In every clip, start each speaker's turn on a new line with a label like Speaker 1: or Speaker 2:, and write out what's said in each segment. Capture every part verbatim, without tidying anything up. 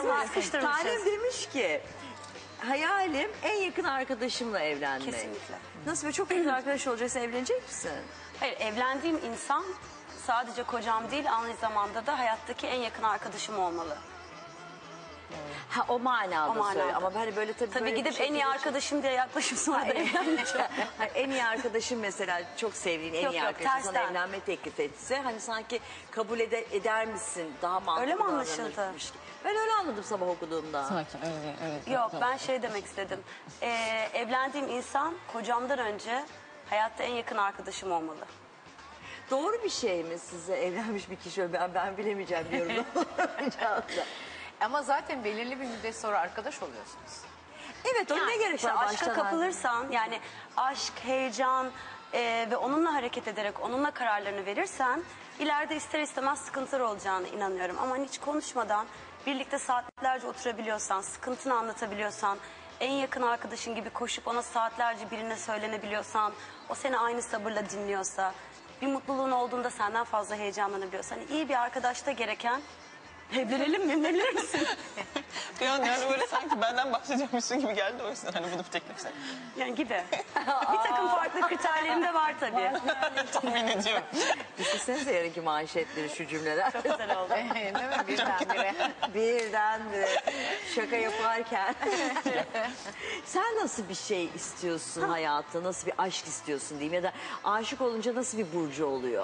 Speaker 1: parmağı sıkıştırmışız.
Speaker 2: Tanem demiş ki hayalim en yakın arkadaşımla evlenmek.
Speaker 1: Kesinlikle.
Speaker 2: Nasıl böyle çok yakın arkadaş olacaksa evlenecek misin?
Speaker 1: Hayır, evlendiğim insan sadece kocam değil, aynı zamanda da hayattaki en yakın arkadaşım olmalı.
Speaker 2: Ha o manada,
Speaker 1: O manada.
Speaker 2: söyle. Ama hani böyle tabii,
Speaker 1: Tabii
Speaker 2: böyle
Speaker 1: gidip
Speaker 2: bir
Speaker 1: en iyi
Speaker 2: şekilde-
Speaker 1: arkadaşım diye yaklaşıp sonra da evlenmeyeceğim.
Speaker 2: Hani en iyi arkadaşın mesela çok sevdiğin en
Speaker 1: Yok,
Speaker 2: iyi
Speaker 1: yok,
Speaker 2: arkadaşın sana
Speaker 1: tersten.
Speaker 2: evlenme teklif etse hani sanki kabul ede, eder misin? Daha mantıklı
Speaker 1: Öyle mi anlaşıldı?
Speaker 2: davranırmış gibi. Ben öyle anladım sabah okuduğumda.
Speaker 3: Sakin, öyle, öyle.
Speaker 1: Yok, ben şey demek istedim. Ee, evlendiğim insan kocamdan önce hayatta en yakın arkadaşım olmalı.
Speaker 2: Doğru bir şey mi size evlenmiş bir kişi? Ben, ben bilemeyeceğim diyorum.
Speaker 4: Ama zaten belirli bir müddet sonra arkadaş oluyorsunuz.
Speaker 2: Evet, o ne gerek
Speaker 1: İşte
Speaker 2: var
Speaker 1: aşka
Speaker 2: baştan?
Speaker 1: kapılırsan, yani aşk, heyecan e, ve onunla hareket ederek onunla kararlarını verirsen ileride ister istemez sıkıntılar olacağını inanıyorum. Ama hiç konuşmadan birlikte saatlerce oturabiliyorsan, sıkıntını anlatabiliyorsan, en yakın arkadaşın gibi koşup ona saatlerce birine söylenebiliyorsan, o seni aynı sabırla dinliyorsa, bir mutluluğun olduğunda senden fazla heyecanlanabiliyorsan, hani iyi bir arkadaşta gereken evlenelim mi, evlenir misin?
Speaker 3: Bir an yani böyle sanki benden bahsediyormuşsun gibi geldi, o yüzden hani bunu bir teklifse.
Speaker 1: Yani gibi. Bir takım farklı kriterlerim de var tabii.
Speaker 3: Tahmin ediyorum.
Speaker 2: Düşünsenize yarınki manşetleri şu cümleler.
Speaker 1: Çok güzel oldu.
Speaker 4: Değil mi? Birdenbire.
Speaker 2: Birdenbire şaka yaparken. Sen nasıl bir şey istiyorsun hayatta? Nasıl bir aşk istiyorsun diyeyim? Ya da aşık olunca nasıl bir burcu oluyor?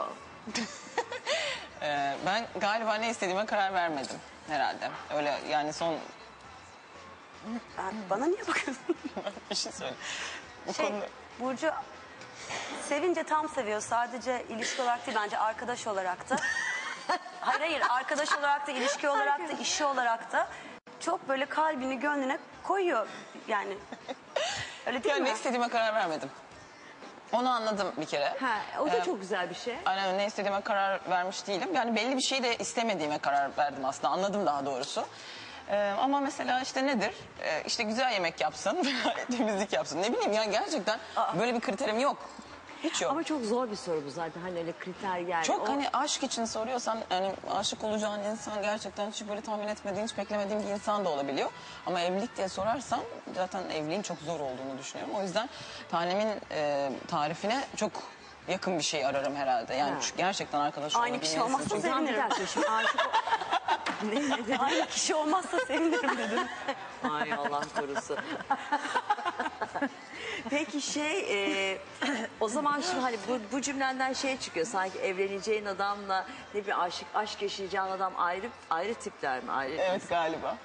Speaker 3: Ee, ben galiba ne istediğime karar vermedim herhalde. Öyle yani son
Speaker 1: Ben- Bana niye bakıyorsun?
Speaker 3: bir şey söyle. Bu
Speaker 1: Şey,
Speaker 3: konuda
Speaker 1: Burcu sevince tam seviyor. Sadece ilişki olarak değil, bence arkadaş olarak da. Hayır hayır, arkadaş olarak da, ilişki olarak da, işi olarak da çok böyle kalbini gönlüne koyuyor yani. Öyle değil
Speaker 3: yani
Speaker 1: mi?
Speaker 3: ne istediğime karar vermedim. Onu anladım bir kere.
Speaker 2: Ha, o da
Speaker 3: Ee,
Speaker 2: çok güzel bir şey.
Speaker 3: Aynen, ne istediğime karar vermiş değilim. Yani belli bir şey de istemediğime karar verdim aslında. Anladım daha doğrusu. Ee, ama mesela işte nedir? Ee, işte güzel yemek yapsın, temizlik yapsın. Ne bileyim yani gerçekten böyle bir kriterim yok. Hiç yok.
Speaker 2: Ama çok zor bir soru bu zaten. Hani öyle kriter yani.
Speaker 3: Çok
Speaker 2: O-
Speaker 3: hani aşk için soruyorsan, yani aşık olacağın insan gerçekten hiç böyle tahmin etmediğin, hiç beklemediğin bir insan da olabiliyor. Ama evlilik diye sorarsan zaten evliliğin çok zor olduğunu düşünüyorum. O yüzden tanemin e, tarifine çok yakın bir şey ararım herhalde. Yani
Speaker 2: Ha.
Speaker 3: çünkü gerçekten arkadaş
Speaker 1: Aynı
Speaker 3: olabilmelisin.
Speaker 1: kişi olmazsa
Speaker 3: Çünkü-
Speaker 2: Tamam, bir
Speaker 1: sevinirim.
Speaker 2: dakika şimdi aşık ol- ne, ne dedin?
Speaker 1: Aynı kişi olmazsa sevinirim dedim.
Speaker 2: Ay Allah korusun. Peki şey e, o zaman şimdi hani bu, bu cümlenden şey çıkıyor sanki evleneceğin adamla ne bir aşık aşk yaşayacağın adam ayrı ayrı tipler mi ayrı?
Speaker 3: Evet galiba.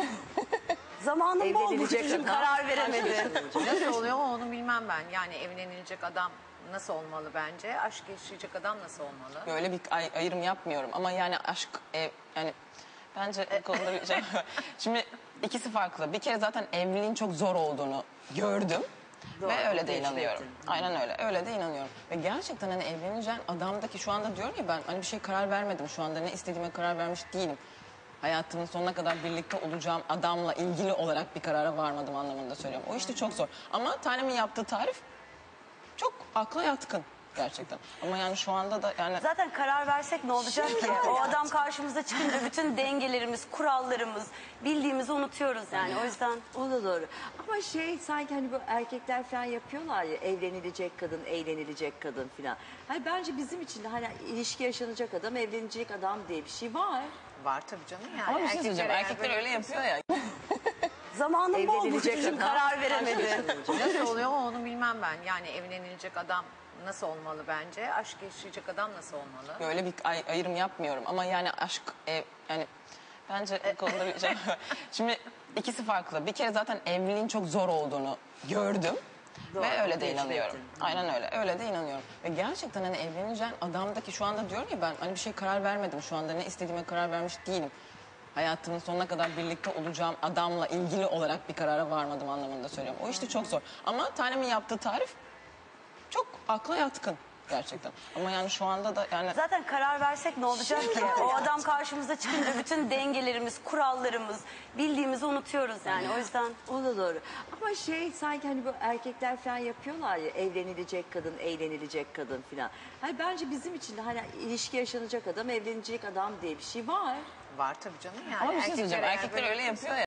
Speaker 1: Zamanım bol
Speaker 2: Evlenilecek
Speaker 1: Burcu'cum,
Speaker 2: adam.
Speaker 1: karar veremedi.
Speaker 4: Nasıl oluyor onu bilmem ben. Yani evlenilecek adam nasıl olmalı bence? Aşk yaşayacak adam nasıl olmalı?
Speaker 3: Böyle bir ay- ayrım yapmıyorum ama yani aşk ev, yani bence bu konuda bir şey var. Şimdi ikisi farklı. Bir kere zaten evliliğin çok zor olduğunu gördüm.
Speaker 2: Doğru,
Speaker 3: Ve öyle de
Speaker 2: tecrübe
Speaker 3: inanıyorum.
Speaker 2: ettin.
Speaker 3: Aynen öyle. Öyle de inanıyorum. Ve gerçekten hani evleneceğin adamdaki şu anda diyorum ya ben hani bir şey karar vermedim şu anda. Ne istediğime karar vermiş değilim. Hayatımın sonuna kadar birlikte olacağım adamla ilgili olarak bir karara varmadım anlamında söylüyorum. O işte çok zor. Ama tanemin yaptığı tarif çok akla yatkın gerçekten. Ama yani şu anda da yani
Speaker 1: Zaten karar versek ne olacak ki? O adam karşımıza çıkınca bütün dengelerimiz, kurallarımız, bildiğimizi unutuyoruz yani. O yüzden
Speaker 2: O da doğru. Ama şey sanki hani bu erkekler falan yapıyorlar ya evlenilecek kadın, eğlenilecek kadın falan. Hani bence bizim için de hani ilişki yaşanacak adam, evlenecek adam diye bir şey var.
Speaker 4: Var tabii canım yani.
Speaker 3: ama bir şey söyleyeceğim.
Speaker 4: eğer
Speaker 3: Erkekler
Speaker 4: böyle-
Speaker 3: öyle yapıyor ya.
Speaker 1: zamanım bol
Speaker 2: Evlenilecek
Speaker 1: Burcu'cum,
Speaker 2: adam.
Speaker 1: karar veremedi.
Speaker 4: Nasıl oluyor onu bilmem ben. Yani evlenilecek adam nasıl olmalı bence? Aşk yaşayacak adam nasıl olmalı?
Speaker 3: Böyle bir ay- ayrım yapmıyorum ama yani aşk ev, yani bence bu konuda bir şey var. Şimdi ikisi farklı. Bir kere zaten evliliğin çok zor olduğunu gördüm.
Speaker 2: Doğru,
Speaker 3: Ve öyle de
Speaker 2: tecrübe
Speaker 3: inanıyorum.
Speaker 2: ettin.
Speaker 3: Aynen öyle. Öyle de inanıyorum. Ve gerçekten hani evleneceğin adamdaki şu anda diyorum ya ben hani bir şey karar vermedim şu anda. Ne istediğime karar vermiş değilim. Hayatımın sonuna kadar birlikte olacağım adamla ilgili olarak bir karara varmadım anlamında söylüyorum. O işte çok zor. Ama tanemin yaptığı tarif çok akla yatkın gerçekten. Ama yani şu anda da yani
Speaker 1: Zaten karar versek ne olacak ki? O adam karşımıza çıkınca bütün dengelerimiz, kurallarımız, bildiğimizi unutuyoruz yani. O yüzden
Speaker 2: O da doğru. Ama şey sanki hani bu erkekler falan yapıyorlar ya evlenilecek kadın, eğlenilecek kadın falan. Hani bence bizim için de hani ilişki yaşanacak adam, evlenecek adam diye bir şey var.
Speaker 4: Var tabii canım yani.
Speaker 3: Ama bir şey söyleyeceğim.
Speaker 4: eğer
Speaker 3: Erkekler
Speaker 4: böyle
Speaker 3: öyle
Speaker 4: yapıyorsa-
Speaker 3: yapıyor ya.